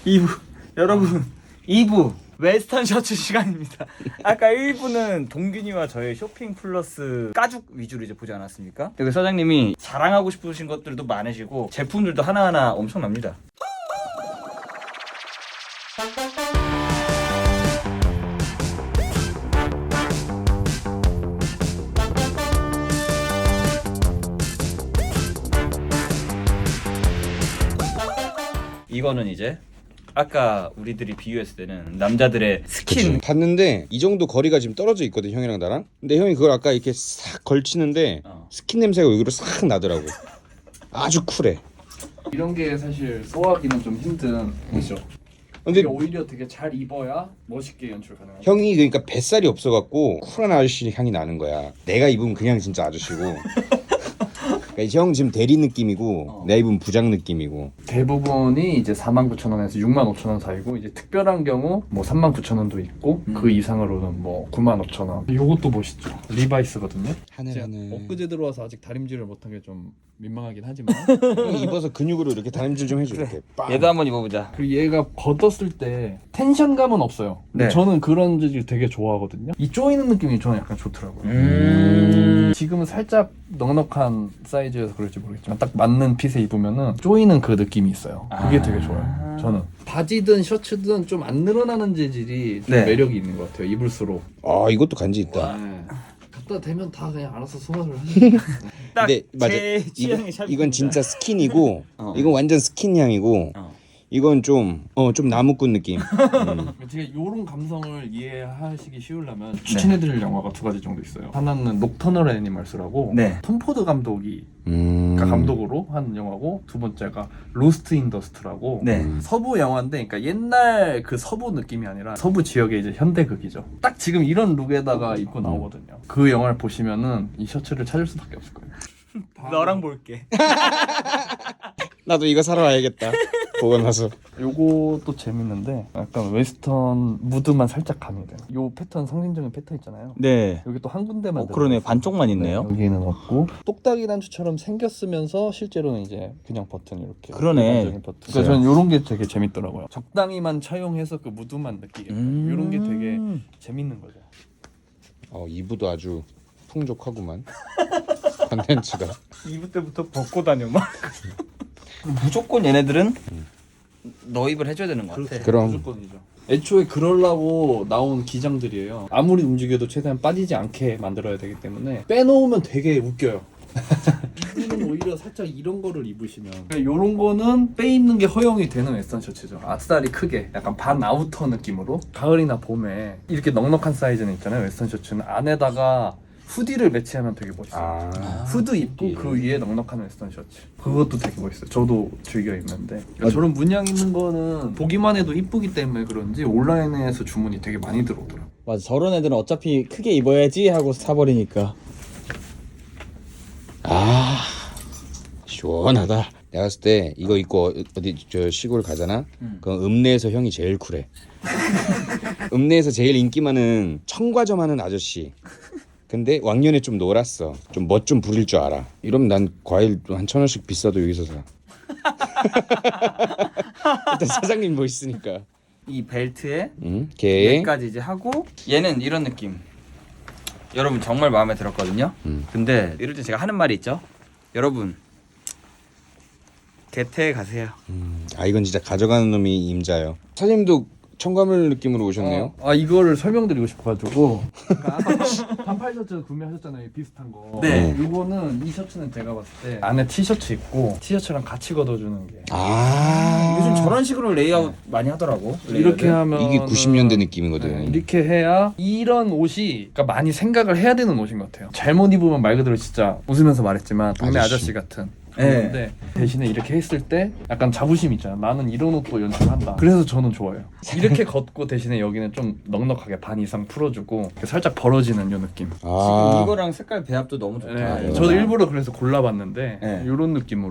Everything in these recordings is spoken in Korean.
2부 여러분 2부 웨스턴 셔츠 시간입니다. 아까 1부는 동균이와 저의 쇼핑 플러스 가죽 위주로 이제 보지 않았습니까? 여기 사장님이 자랑하고 싶으신 것들도 많으시고 제품들도 하나하나 엄청납니다. 이거는 이제 아까 우리들이 비교했을 때는 남자들의 스킨 봤는데 이 정도 거리가 지금 떨어져 있거든 형이랑 나랑. 근데 형이 그걸 아까 이렇게 싹 걸치는데 스킨 냄새가 여기로 싹 나더라고. 아주 쿨해. 이런 게 사실 소화하기는 좀 힘든 거죠. 근데 이게 오히려 되게 잘 입어야 멋있게 연출 가능하죠. 형이 그러니까 뱃살이 없어갖고 쿨한 아저씨 향이 나는 거야. 내가 입으면 그냥 진짜 아저씨고. 그러니까 형 지금 대리 느낌이고 내가 입으면 부장 느낌이고. 대부분이 이제 49,000원에서 65,000원 사이고 이제 특별한 경우 뭐 39,000원도 있고 그 이상으로는 뭐 95,000원. 이것도 멋있죠. 리바이스거든요. 하늘하늘. 엊그제 들어와서 아직 다림질을 못한 게 좀 민망하긴 하지만 형 입어서 근육으로 이렇게 다림질 좀 해줘. 이렇게. 빵. 얘도 한번 입어보자. 그리고 얘가 걷었을 때 텐션감은 없어요. 네. 저는 그런 재질 되게 좋아하거든요. 이 조이는 느낌이 저는 약간 좋더라고요. 지금은 살짝 넉넉한 사이즈여서 그럴지 모르겠지만 딱 맞는 핏에 입으면은 조이는 그 느낌이 있어요. 그게 되게 좋아요. 저는 바지든 셔츠든 좀 안 늘어나는 재질이 좀 네. 매력이 있는 것 같아요. 입을수록. 아 이것도 간지 있다. 네. 갖다 대면 다 그냥 알아서 소화를 하니까. 딱 근데 맞아. 제 취향의 샵입니다. 이건 진짜 스킨이고 이건 완전 스킨 향이고 이건 좀 나무꾼 느낌. 제가 이런 감성을 이해하시기 쉬우려면 추천해드릴 영화가 두 가지 정도 있어요. 하나는 녹터널 애니멀스라고 네. 톰 포드 감독이 감독으로 한 영화고, 두 번째가 로스트 인 더스트라고 네. 서부 영화인데, 그러니까 옛날 그 서부 느낌이 아니라 서부 지역의 이제 현대극이죠. 딱 지금 이런 룩에다가 입고 나오거든요. 그 영화를 보시면은 이 셔츠를 찾을 수밖에 없을 거예요. 너랑 볼게. 나도 이거 사러 와야겠다. 보고 나서. 요것도 재밌는데 약간 웨스턴 무드만 살짝 가미돼요. 요 패턴, 상징적인 패턴 있잖아요. 네. 여기 또 한 군데만 그러네. 들어있어요. 반쪽만 있네요. 여기는 없고 똑딱이 단추처럼 생겼으면서 실제로는 이제 그냥 버튼 이렇게. 그러네. 일반적인 버튼. 그래서 저는 요런 게 되게 재밌더라고요. 적당히만 차용해서 그 무드만 느끼게. 요런 게 되게 재밌는 거죠. 이부도 아주 풍족하구만. 컨텐츠가. 2부 때부터 벗고 다녀 막. 무조건 얘네들은 너입을 해줘야 되는 것 같아. 그럼. 무조건이죠. 애초에 그러려고 나온 기장들이에요. 아무리 움직여도 최대한 빠지지 않게 만들어야 되기 때문에 빼놓으면 되게 웃겨요. 이분은 오히려 살짝 이런 거를 입으시면, 이런 거는 빼 입는 게 허용이 되는 웨스턴 셔츠죠. 아싸리 크게 약간 반 아우터 느낌으로 가을이나 봄에 이렇게 넉넉한 사이즈는 있잖아요. 웨스턴 셔츠는 안에다가 후디를 매치하면 되게 멋있어요. 후드 입고 그 위에 넉넉한 웨스턴 셔츠, 그것도 되게 멋있어요. 저도 즐겨 입는데, 그러니까 저런 문양 있는 거는 보기만 해도 이쁘기 때문에 그런지 온라인에서 주문이 되게 많이 들어오더라고요. 맞아. 저런 애들은 어차피 크게 입어야지 하고 사버리니까. 시원하다. 내가 봤을 때 이거 입고 어디 저 시골 가잖아. 그럼 읍내에서 형이 제일 쿨해. 읍내에서 제일 인기 많은 청과점 하는 아저씨. 근데 왕년에 좀 놀았어. 좀 멋 좀 부릴 줄 알아. 이러면 난 과일 한 1,000원씩 비싸도 여기서 사. 일단 사장님 뭐 있으니까. 이 벨트에 걔. 얘까지 이제 하고, 얘는 이런 느낌. 여러분 정말 마음에 들었거든요. 근데 이럴 때 제가 하는 말이 있죠. 여러분 개태에 가세요. 이건 진짜 가져가는 놈이 임자요. 사장님도 청과물 느낌으로 오셨네요. 이거를 설명드리고 싶어가지고. 반팔 셔츠 구매하셨잖아요, 비슷한 거. 네. 이거는, 이 셔츠는 제가 봤을 때 안에 티셔츠 입고 티셔츠랑 같이 걷어주는 게. 요즘 저런 식으로 레이아웃 많이 하더라고. 이렇게 하면 이게 90년대 느낌이거든. 이렇게 해야 이런 옷이, 그러니까 많이 생각을 해야 되는 옷인 것 같아요. 잘못 입으면 말 그대로 진짜 웃으면서 말했지만 동네 아저씨 같은 그런데, 대신에 이렇게 했을 때 약간 자부심 있잖아. 나는 이런 옷도 연출한다. 그래서 저는 좋아요. 이렇게 걷고 대신에 여기는 좀 넉넉하게 반 이상 풀어주고 살짝 벌어지는 요 느낌. 지금 이거랑 색깔 배합도 너무 좋다. 저도 일부러 그래서 골라봤는데 네. 이런 느낌으로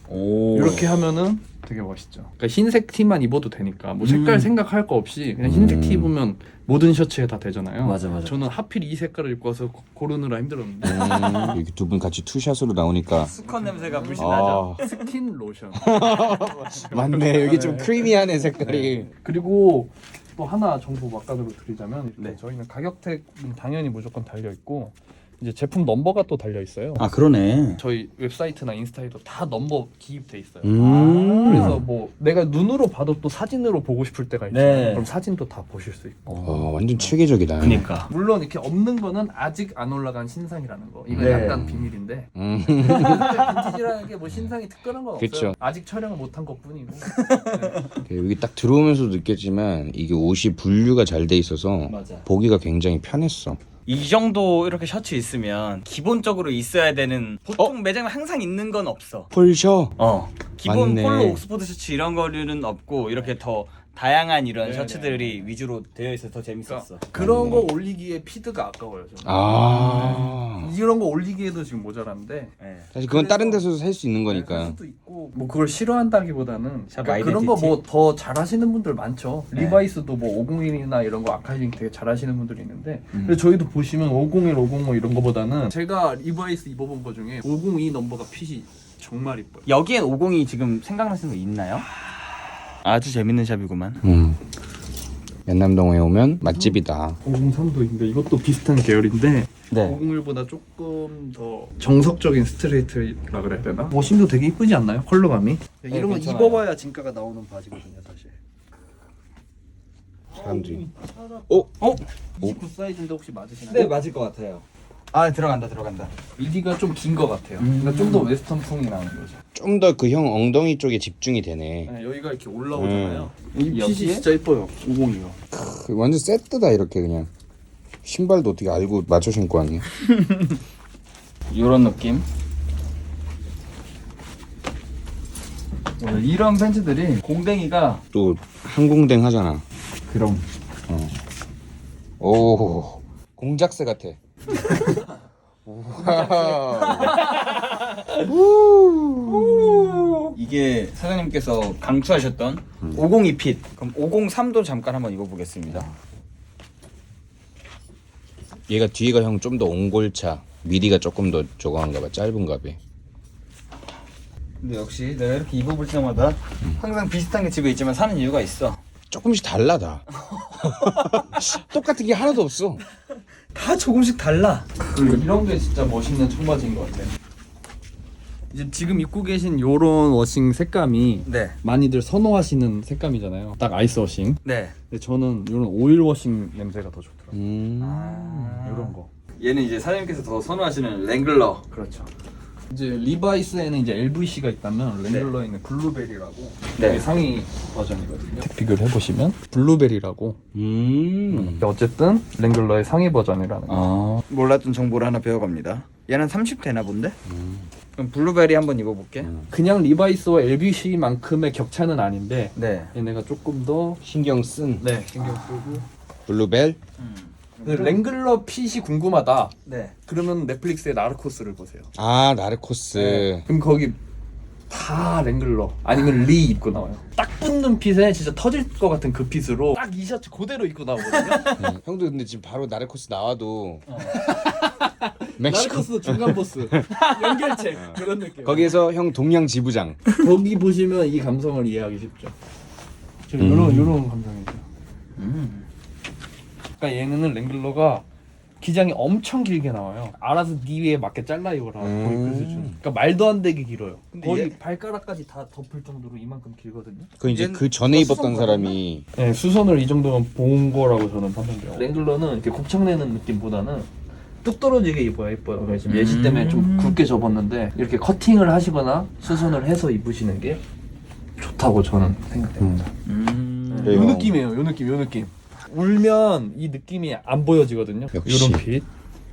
오. 이렇게 하면은 되게 멋있죠. 그러니까 흰색 티만 입어도 되니까 뭐 색깔 생각할 거 없이 그냥 흰색 티 입으면 모든 셔츠에 다 되잖아요. 맞아. 저는 하필 이 색깔을 입고 와서 고르느라 힘들었는데 이렇게 두 분 같이 투샷으로 나오니까 수컷 냄새가 물씬 나죠. 스킨 로션. 맞네. 여기 좀 크리미하네 색깔이. 그리고 또 하나 정보 막간으로 드리자면 네. 저희는 가격택은 당연히 무조건 달려 있고 이제 제품 넘버가 또 달려 있어요. 아 그러네. 저희 웹사이트나 인스타에도 다 넘버 기입돼 있어요. 그래서 그래서 뭐 내가 눈으로 봐도 또 사진으로 보고 싶을 때가 있잖아요. 네. 그럼 사진도 다 보실 수 있고. 완전 체계적이다. 그니까. 물론 이렇게 없는 거는 아직 안 올라간 신상이라는 거. 이건 네. 약간 비밀인데. 음. 빈티지라는 게 뭐 신상이 특별한 건 없어요. 그쵸. 아직 촬영을 못한 것뿐이고. 네. 여기 딱 들어오면서도 느꼈지만 이게 옷이 분류가 잘 돼 있어서 맞아. 보기가 굉장히 편했어. 이 정도 이렇게 셔츠 있으면 기본적으로 있어야 되는 보통 매장에 항상 있는 건 없어. 폴셔. 기본 맞네. 폴로 옥스포드 셔츠 이런 거류는 없고 이렇게 더 다양한 이런 네네. 셔츠들이 위주로 되어 있어서 더 재밌었어. 그런 거 올리기에 피드가 아까워요. 저는. 이런 거 올리기에도 지금 모자란데. 네. 사실 그건 다른 데서도 살 수 있는 거니까. 할 수도 있고 뭐 그걸 싫어한다기보다는 샵 그러니까 그런 거 아이덴티티. 뭐 더 잘하시는 분들 많죠. 네. 리바이스도 뭐 501이나 이런 거 아카이징 되게 잘하시는 분들이 있는데 근데 저희도 보시면 501, 505 이런 거보다는 제가 리바이스 입어본 거 중에 502 넘버가 핏이 정말 이뻐요. 여기엔 502 지금 생각나시는 거 있나요? 아주 재밌는 샵이구만. 연남동에 오면 맛집이다. 503도 있는데 이것도 비슷한 계열인데 네. 501보다 조금 더 정석적인 스트레이트라 그래야 되나? 워싱도 되게 이쁘지 않나요? 컬러감이? 이런 거 괜찮아요. 입어봐야 진가가 나오는 바지거든요 사실. 사람들이. 29 사이즈인데 혹시 맞으시나요? 맞을 것 같아요. 아 들어간다. 미디가 좀 긴 것 같아요. 그러니까 좀 더 웨스턴풍이 나는 거죠. 좀 더 그 형 엉덩이 쪽에 집중이 되네. 네, 여기가 이렇게 올라오잖아요. 이 핏이 여기에? 진짜 이뻐요. 502가. 완전 세트다 이렇게 그냥. 신발도 어떻게 알고 맞춰 신고 왔냐? 이런 느낌. 이런 팬츠들이 공댕이가 또 항공댕 하잖아. 그럼 오 공작새 같아. 이게 사장님께서 강추하셨던 502 핏. 그럼 503도 잠깐 한번 입어보겠습니다. 얘가 뒤에가 형 좀 더 옹골차. 미디가 조금 더 저거한가 봐. 짧은가 봐. 근데 역시 내가 이렇게 입어볼 때마다 항상 비슷한 게 집에 있지만 사는 이유가 있어. 조금씩 달라 다. 똑같은 게 하나도 없어. 다 조금씩 달라. 이런 게 진짜 멋있는 청바지인 것 같아요. 이제 지금 입고 계신 요런 워싱 색감이 네. 많이들 선호하시는 색감이잖아요. 딱 아이스 워싱. 네. 근데 저는 요런 오일 워싱 냄새가 더 좋더라고요. 요런 거. 얘는 이제 사장님께서 더 선호하시는 랭글러. 그렇죠. 이제 리바이스에는 이제 LVC가 있다면 랭글러에는 블루베리라고 네. 이게 상위 버전이거든요. 비교를 해보시면 블루베리라고. 어쨌든 랭글러의 상위 버전이라는 거. 몰랐던 정보를 하나 배워갑니다. 얘는 30 되나 본데? 그럼 블루베리 한번 입어볼게. 그냥 리바이스와 LVC만큼의 격차는 아닌데 네. 얘네가 조금 더 신경 쓴 신경 쓰고. 블루벨. 근데 랭글러 핏이 궁금하다. 네. 그러면 넷플릭스의 나르코스를 보세요. 아 나르코스. 그럼 거기 다 랭글러 아니면 리 입고 나와요. 딱 붙는 핏에 진짜 터질 것 같은 그 핏으로 딱 이 셔츠 그대로 입고 나오거든요. 형도 근데 지금 바로 나르코스 나와도 멕시코 나르코스 중간 보스 연결체 그런 느낌. 거기에서 형 동양 지부장. 거기 보시면 이 감성을 이해하기 쉽죠. 요런 감성이죠. 그러니까 얘는 랭글러가 기장이 엄청 길게 나와요. 알아서 네 위에 맞게 잘라 입어라. 거의 그 수준. 그러니까 말도 안 되게 길어요. 거의 발가락까지 다 덮을 정도로 이만큼 길거든요. 그 이제 얘는 그 전에 입었던 사람이 네, 수선을 이 정도면 본 거라고 저는 판단돼요. 랭글러는 이렇게 곱창내는 느낌보다는 뚝 떨어지게 입어야 예뻐요. 그래서 지금 예시 때문에 좀 굵게 접었는데 이렇게 커팅을 하시거나 수선을 해서 입으시는 게 좋다고 저는 생각됩니다. 그래요. 요 느낌이에요. 요 느낌. 울면 이 느낌이 안 보여지거든요. 역시. 요런 핏.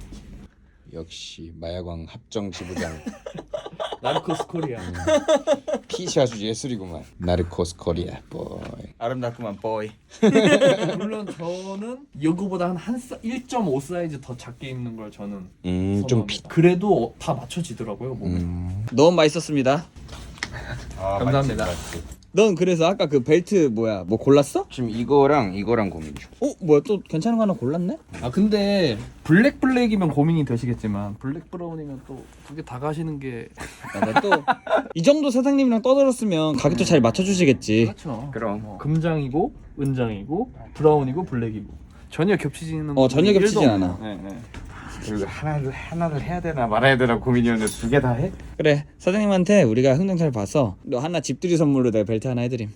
역시 마야광 합정 지부장. 나르코스 코리아. 핏이 아주 예술이구만. 나르코스 코리아 보이. 아름답구만 보이. 물론 저는 이거보다 한 1.5 사이즈 더 작게 입는 걸 저는 좀 핏. 그래도 다 맞춰지더라고요. 몸에. 너무 맛있었습니다. 감사합니다. 넌 그래서 아까 그 벨트 뭐야? 뭐 골랐어? 지금 이거랑 고민 중. 뭐야 또 괜찮은 거 하나 골랐네? 아 근데 블랙이면 고민이 되시겠지만 블랙 브라운이면 또 두 개 다 가시는 게 또이 정도 사장님이랑 떠들었으면 가격도 잘 맞춰주시겠지. 그렇죠. 그럼. 금장이고 은장이고 브라운이고 블랙이고 전혀 겹치지는 전혀 일도 겹치진 없고. 않아. 네. 그리고 하나를 해야 되나 말아야 되나 고민이었는데 두 개 다 해? 그래 사장님한테 우리가 흥정잘 봐서 너 하나 집들이 선물로 내가 벨트 하나 해드림.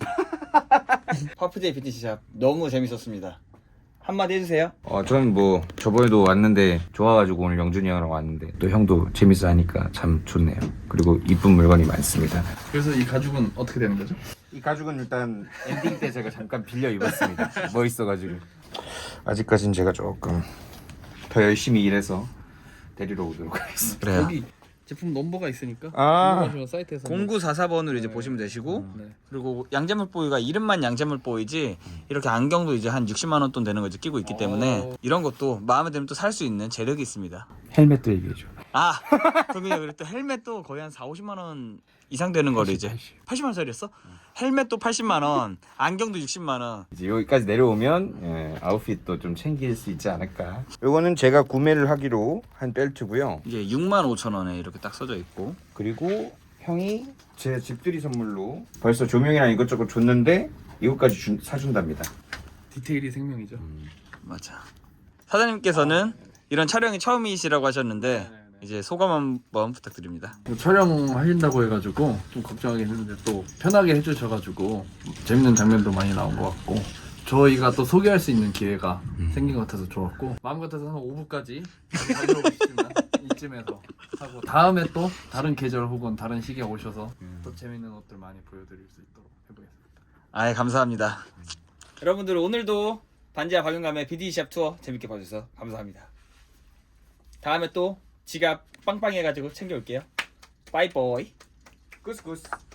파프제이 PT샵 너무 재밌었습니다. 한마디 해주세요. 저는 뭐 저번에도 왔는데 좋아가지고 오늘 영준이 형이랑 왔는데 또 형도 재밌어 하니까 참 좋네요. 그리고 이쁜 물건이 많습니다. 그래서 이 가죽은 어떻게 되는 거죠? 이 가죽은 일단 엔딩 때 제가 잠깐 빌려 입었습니다. 멋있어가지고 아직까진 제가 조금 더 열심히 일해서 데리러 오도록 하겠습니다. 그래요. 여기 제품 넘버가 있으니까 아. 궁금하시면 사이트에서 0944번으로 이제 네. 보시면 되시고 네. 그리고 양재물 보이가 이름만 양재물 보이지 이렇게 안경도 이제 한 60만 원 돈 되는 거 이제 끼고 있기 때문에 이런 것도 마음에 들면 또 살 수 있는 재력이 있습니다. 헬멧도 얘기해줘. 동근이 그래 또 헬멧도 거의 한 4-50만 원 이상 되는 거를 이제 80만 원짜리였어? 헬멧도 80만 원, 안경도 60만 원. 이제 여기까지 내려오면 아웃핏도 좀 챙길 수 있지 않을까. 요거는 제가 구매를 하기로 한 벨트고요. 이게 65,000원에 이렇게 딱 써져 있고 그리고 형이 제 집들이 선물로 벌써 조명이랑 이것저것 줬는데 이것까지 사준답니다. 디테일이 생명이죠. 맞아. 사장님께서는 이런 촬영이 처음이시라고 하셨는데 이제 소감 한번 부탁드립니다. 촬영하신다고 해가지고 좀 걱정하긴 했는데 또 편하게 해주셔가지고 재밌는 장면도 많이 나온 것 같고 저희가 또 소개할 수 있는 기회가 생긴 것 같아서 좋았고 마음 같아서 한 5부까지 달려오고 싶지만 이쯤에서 하고 다음에 또 다른 계절 혹은 다른 시기에 오셔서 또 재밌는 옷들 많이 보여드릴 수 있도록 해보겠습니다. 아예 감사합니다. 여러분들 오늘도 반지하 박용감의 BD샵 투어 재밌게 봐주셔서 감사합니다. 다음에 또 지갑 빵빵해가지고 챙겨올게요. 바이바이. 구스구스.